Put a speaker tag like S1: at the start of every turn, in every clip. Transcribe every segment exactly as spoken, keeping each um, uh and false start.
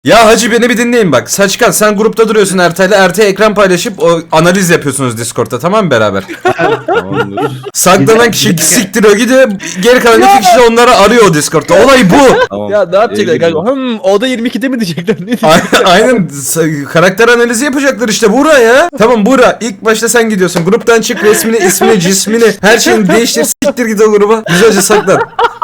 S1: Ya hacı beni bir dinleyin bak. Saçkan sen grupta duruyorsun Ertay'la. Ertay ekran paylaşıp o analiz yapıyorsunuz Discord'ta, tamam mı beraber?
S2: Tamamdır.
S1: Saklanan kişi siktiriyor gidiyor. Geri kalan iki kişi de onları arıyor o Discord'ta. Olay bu.
S2: Tamam.
S3: Ya ne yapacaklar
S2: İyi
S3: kanka?
S2: gidiyor.
S3: Hım oda yirmi ikide mi diyecekler? Ne
S1: Aynen,
S3: diyecekler?
S1: aynen S- karakter analizi yapacaklar işte Buğra ya. Tamam Buğra, ilk başta sen gidiyorsun. Gruptan çık, resmini, ismini, cismini, her şeyini değiştir, siktir git o gruba. Güzelce saklan.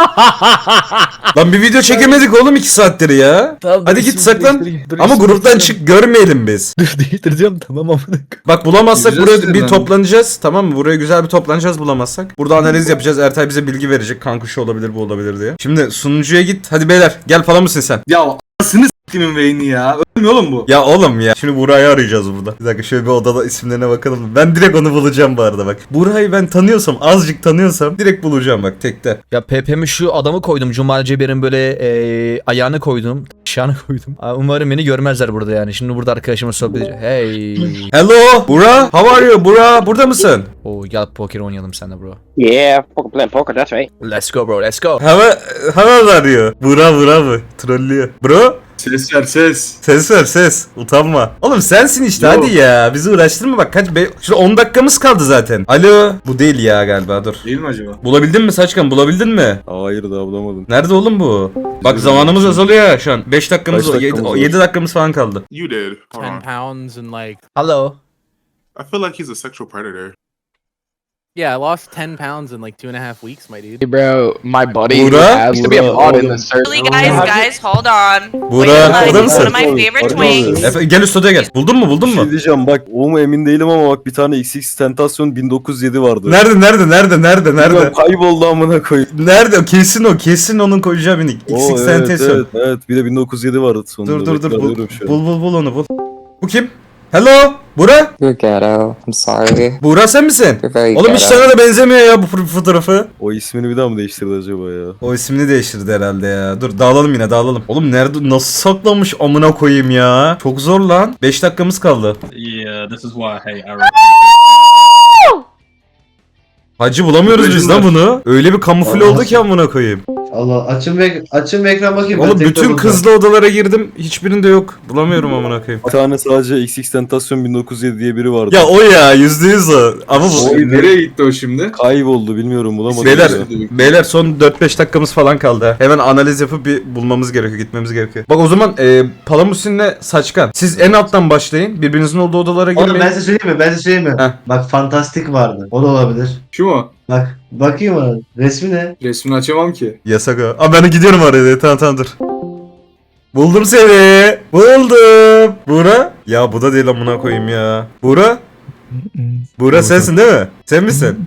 S1: Lan bir video çekemedik oğlum iki saattir ya.
S3: Tamam,
S1: Hadi
S3: dur,
S1: git
S3: şimdi
S1: saklan.
S3: değiştireyim. Dur,
S1: Ama
S3: şimdi
S1: gruptan
S3: değiştireyim.
S1: çık, görmeyelim biz.
S3: Dur değiştireceğim tamam amına.
S1: Bak bulamazsak
S2: Gireceğiz
S1: buraya bir
S2: hemen.
S1: toplanacağız, tamam mı? Buraya güzel bir toplanacağız bulamazsak. Burada analiz yapacağız. Ertay bize bilgi verecek. Kanka şu olabilir, bu olabilir diye. Şimdi sunucuya git. Hadi beyler gel falan mısın sen?
S2: Ya anasını s**timin Vayne'i ya. Ölmüyor oğlum bu.
S1: Ya oğlum ya. Şimdi Buray'ı arayacağız burada. Bir dakika şöyle bir odada isimlerine bakalım. Ben direkt onu bulacağım bu arada bak. Buray'ı ben tanıyorsam, azıcık tanıyorsam direkt bulacağım bak tekte.
S3: Ya P P'mi şu adamı koydum. Cumali Ceber'in böyle e, ayağını koydum. Şanı koydum. Aa, umarım beni görmezler burada yani. Şimdi burada arkadaşımla sohbet edeceğim. Hey.
S1: Hello Bura, how are you? Bura, burada mısın?
S3: Oo gel poker oynayalım seninle bro.
S4: Yeah, poker playing poker, that's right.
S3: Let's go bro, let's go.
S1: Hava, hava arıyor. Bura, Bura mı? Trollüyor. Bro?
S2: Ses ver ses.
S1: Ses ver ses. Utanma. Oğlum sensin işte
S2: Yo.
S1: hadi ya. Bizi uğraştırma bak kaç be. Şurada on dakikamız kaldı zaten. Alo. Bu değil ya galiba dur.
S2: Değil mi acaba?
S1: Bulabildin mi Saçkan, bulabildin mi?
S5: Hayır daha bulamadım.
S1: Nerede oğlum bu? Bak
S5: Bizim
S1: zamanımız
S5: için.
S1: azalıyor ya şu an. beş dakikamız
S5: Kaç
S1: var.
S5: dakikamız var?
S1: yedi dakikamız falan kaldı.
S6: You did. Hold
S7: ten
S6: on.
S7: pounds and like
S3: Hello.
S6: I feel like he's a sexual predator.
S7: yeah, I lost ten pounds in like two and a half weeks, my dude.
S4: Hey bro, my buddy
S1: Buğra?
S4: used to be a
S5: Buğra,
S4: mod in
S5: oğlum.
S4: the server.
S8: Really, guys, guys, hold on.
S1: Buğra,
S8: Wait,
S1: orada
S8: like,
S1: mısın?
S8: one of my favorite
S5: Orada
S8: twinks.
S1: Efe, gel üst odaya gel. Buldun mu buldun
S5: Bir
S1: mu?
S5: şey diyeceğim bak o mu emin değilim ama bak bir tane X X Tentasyon bin dokuz yüz yedi vardı.
S1: Nerede nerede nerede nerede nerede?
S5: Bilmiyorum, kayboldu amına koyayım.
S1: Nerede? Kesin o. Kesin onun koyacağı bir nick.
S5: Oo,
S1: X X
S5: evet,
S1: Tentation.
S5: evet evet bir de bin dokuz yüz yedi vardı sonunda.
S1: Dur dur dur.
S5: Bekle,
S1: Bul,
S5: arıyorum şu an.
S1: bul bul bul onu bul. Bu kim? Hello? Bura?
S4: You're ghetto. I'm sorry.
S1: Buğra sen misin?
S4: You're very
S1: Oğlum hiç sana da benzemiyor ya bu fo- fotoğrafı.
S5: O ismini bir daha mı değiştirdi acaba ya?
S1: O ismini değiştirdi herhalde ya. Dur dağılalım yine dağılalım. Oğlum nerede nasıl saklanmış amına koyayım ya. Çok zor lan. beş dakikamız kaldı.
S9: Yeah, this is why hey, I
S1: Hacı bulamıyoruz biz lan bunu. Öyle bir kamufle oldu ki amına koyayım.
S10: Allah açın ve açın ve ekran bakayım.
S1: Oğlum
S10: Ben tek
S1: bütün
S10: tabloda.
S1: kızlı odalara girdim. Hiçbirinde yok. Bulamıyorum amına koyayım.
S5: Bir tane sadece X X Tentasyon bin dokuz yüz yedi diye biri vardı.
S1: Ya o ya yüzde yüz o. Ama bu...
S2: Oy nereye gitti o şimdi?
S5: Kayboldu bilmiyorum bulamadım.
S1: Beyler,
S5: ya.
S1: beyler son dört beş dakikamız falan kaldı. ha. Hemen analiz yapıp bir bulmamız gerekiyor, gitmemiz gerekiyor. Bak o zaman e, Palamusin'le Saçkan. Siz en alttan başlayın. Birbirinizin olduğu odalara
S10: Oğlum
S1: girmeyin.
S10: ben size söyleyeyim mi? Ben size söyleyeyim mi?
S1: Heh.
S10: Bak fantastik vardı. O da olabilir.
S2: Şu mu?
S10: Bak bakayım ona. Resmi ne?
S2: Resmini açamam ki.
S1: Yasak o. Aa ben gidiyorum oraya. Tamam tamam dur. Buldum seni. Buldum. Buğra? Ya bu da değil amına koyayım ya. Buğra? Buğra sensin değil mi? Sen misin?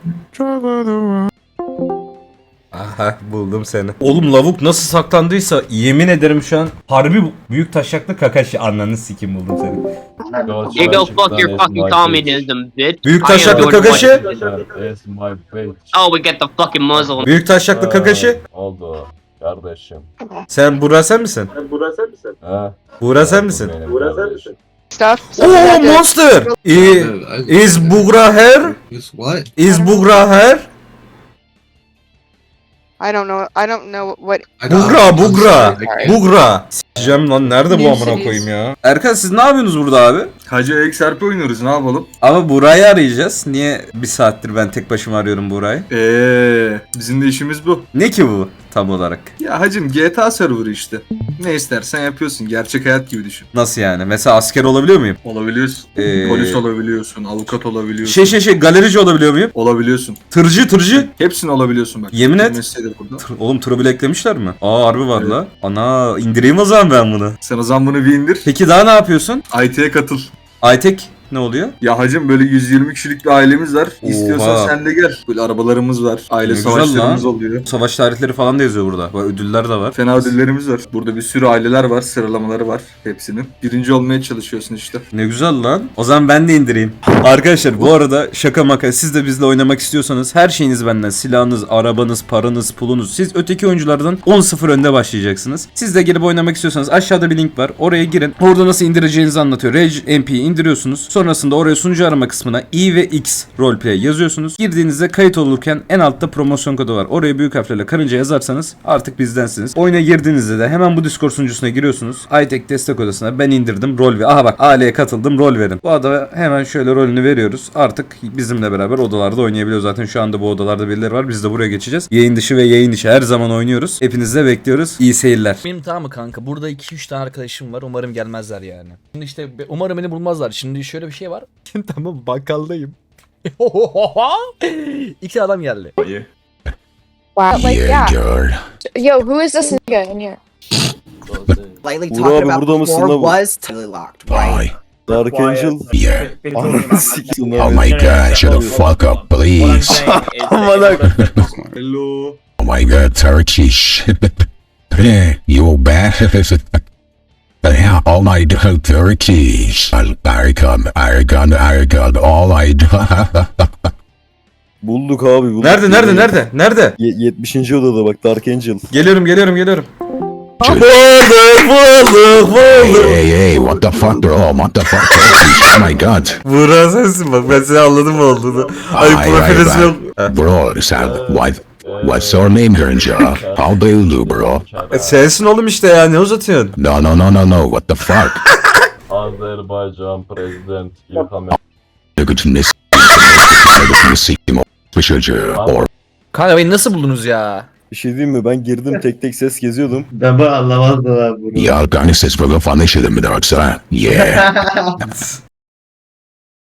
S1: Aha buldum seni. Oğlum lavuk nasıl saklandıysa yemin ederim şu an harbi büyük taşaklı Kakashi ananı sikim buldum seni.
S4: You go fuck your fucking communism, bitch.
S1: Büyük
S4: I am
S1: taşaklı
S4: doing
S1: Kakashi.
S4: what- Oh, we get the fucking muzzle.
S1: Büyük taşaklı Kakashi.
S5: Oldu kardeşim.
S1: Sen Buğra sen misin?
S5: Ha.
S1: Buğra sen misin?
S8: Stuff.
S1: Oh monster. I, is Buğra here? Is Buğra here?
S8: I don't know. I don't know what.
S1: Buğra Buğra.
S8: Sorry.
S1: Buğra. S**eceğim lan nerede bu amına koyayım ya? Erkan siz ne yapıyorsunuz burada abi?
S2: Hacı X R P oynuyoruz ne yapalım?
S1: Ama Buğra'yı arayacağız. Niye bir saattir ben tek başıma arıyorum Buğra'yı?
S2: Eee bizim de işimiz bu.
S1: Ne ki bu tam olarak?
S2: Ya hacım G T A serverı işte. Ne istersen yapıyorsun. Gerçek hayat gibi düşün.
S1: Nasıl yani? Mesela asker olabiliyor muyum?
S2: Olabiliyorsun.
S1: Ee,
S2: Polis olabiliyorsun. Avukat olabiliyorsun.
S1: Şey şey şey galerici olabiliyor muyum?
S2: Olabiliyorsun.
S1: Tırcı tırcı.
S2: Hepsini olabiliyorsun bak.
S1: Yemin et.
S2: Mesleği de burada.
S1: Tır- Oğlum tırı bile eklemişler mi? Aa harbi var
S2: Evet.
S1: la. Ana indireyim o zaman ben bunu.
S2: Sen o zaman bunu bir indir.
S1: Peki daha ne yapıyorsun?
S2: I T'ye katıl.
S1: Aytek ne oluyor?
S2: Ya hacım böyle yüz yirmi kişilik bir ailemiz var.
S1: Oha.
S2: İstiyorsan sen de gel. Böyle arabalarımız var. Aile
S1: Ne güzel
S2: savaşlarımız
S1: lan.
S2: oluyor.
S1: Savaş tarihleri falan da yazıyor burada. Bak, ödüller de var.
S2: Fena ödüllerimiz var. Burada bir sürü aileler var. Sıralamaları var hepsinin. Birinci olmaya çalışıyorsun işte.
S1: Ne güzel lan. O zaman ben de indireyim. Arkadaşlar bu arada şaka maka siz de bizle oynamak istiyorsanız her şeyiniz benden. Silahınız, arabanız, paranız, pulunuz. Siz öteki oyunculardan on sıfır önde başlayacaksınız. Siz de girip oynamak istiyorsanız aşağıda bir link var. Oraya girin. Orada nasıl indireceğinizi anlatıyor. Rage M P'yi indiriyorsunuz. Sonra
S11: sonrasında oraya sunucu arama kısmına i ve x roleplay yazıyorsunuz. Girdiğinizde kayıt olurken en altta promosyon kodu var. Oraya büyük harflerle karınca yazarsanız artık bizdensiniz. Oyuna girdiğinizde de hemen bu Discord sunucusuna giriyorsunuz. iTech destek odasına ben indirdim rol ve aha bak A L'ye katıldım rol verin. Bu adama hemen şöyle rolünü veriyoruz. Artık bizimle beraber odalarda oynayabiliyor. Zaten şu anda bu odalarda birileri var. Biz de buraya geçeceğiz. Yayın dışı ve yayın içi her zaman oynuyoruz. Hepinizi de bekliyoruz. İyi seyirler.
S3: Benim tamam mı kanka? Burada iki üç tane arkadaşım var. Umarım gelmezler yani. Şimdi işte be- umarım beni bulmazlar. Şimdi şöyle bir şey var. Tamam bakkaldayım. İki adam geldi.
S8: Wow, like yeah. Yo, who is this nigga in here?
S5: Uğur abi burada mısın lan bu? Dark Angel.
S12: Yeah.
S5: Ananı sikeyim
S12: Oh
S5: abi.
S12: my god, shut the fuck up, please.
S6: Hello.
S12: Oh my god, Turkish. Hey, you bad. Yeah, all I do Turkish. Aragon, Aragon, Aragon, all I do.
S5: Bulduk abi bulduk.
S1: Nerede nerede nerede? Nerede?
S5: Ye- yetmişinci odada bak Dark Angel.
S1: Geliyorum geliyorum geliyorum.
S12: Bulduk,
S1: bulduk bulduk.
S12: Hey, hey, what the fuck, bro? What the fuck, Turkish? Oh my god.
S1: Buğra sensin bak ben seni anladım mı olduğunu. Ay
S12: Ay,
S1: profil
S12: ay,
S1: ismi
S12: ay.
S1: yok.
S12: Bro, Sam, what? What's your name, Grinja? How do you do, bro?
S1: E, sensin oğlum işte ya ne uzatıyorsun?
S12: No, no, no, no, no. What the fuck?
S9: Azerbaycan President İlham
S12: Look at this. Or
S3: Kanka beni nasıl buldunuz ya?
S5: Bir şey diyeyim mi? Ben girdim tek tek ses geziyordum.
S10: Ben bu anlamazdım abi bunu.
S12: ya, organizes for the fun işledim mi derse? Yeah.